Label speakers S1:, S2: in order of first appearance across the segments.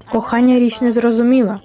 S1: Кохання річ незрозуміла.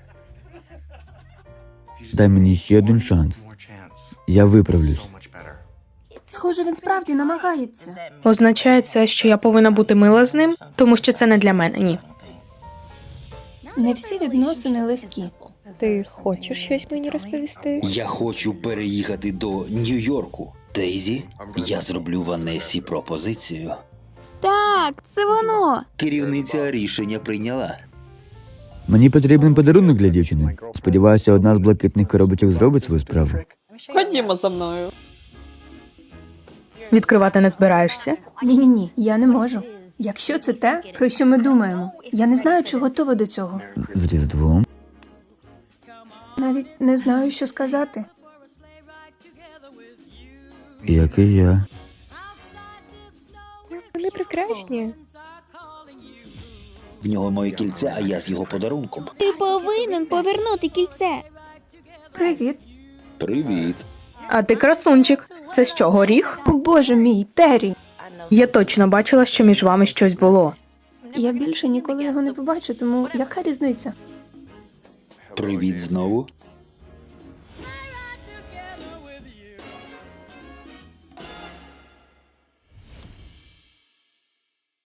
S2: Дай мені ще один шанс. Я виправлюсь.
S3: Схоже, він справді намагається.
S1: Означає це, що я повинна бути мила з ним, тому що це не для мене, ні.
S3: Не всі відносини легкі.
S4: Ти хочеш щось мені розповісти?
S5: Я хочу переїхати до Нью-Йорку. Дейзі, я зроблю Ванесі пропозицію.
S6: Так, це воно.
S5: Керівниця рішення прийняла.
S2: Мені потрібен подарунок для дівчини. Сподіваюся, одна з блакитних коробочок зробить свою справу.
S7: Ходімо за мною.
S1: Відкривати не збираєшся?
S3: Ні, я не можу. Якщо це те, про що ми думаємо, я не знаю, чи готова до цього.
S2: З Різдвом.
S3: Навіть не знаю, що сказати.
S2: Як і я.
S4: Вони прекрасні.
S5: В нього моє кільце, а я з його подарунком.
S6: Ти повинен повернути кільце.
S3: Привіт.
S5: Привіт.
S1: А ти красунчик. Це що, горіх?
S3: О, Боже мій, Террі.
S1: Я точно бачила, що між вами щось було.
S3: Я більше ніколи його не побачу, тому яка різниця?
S5: Привіт знову.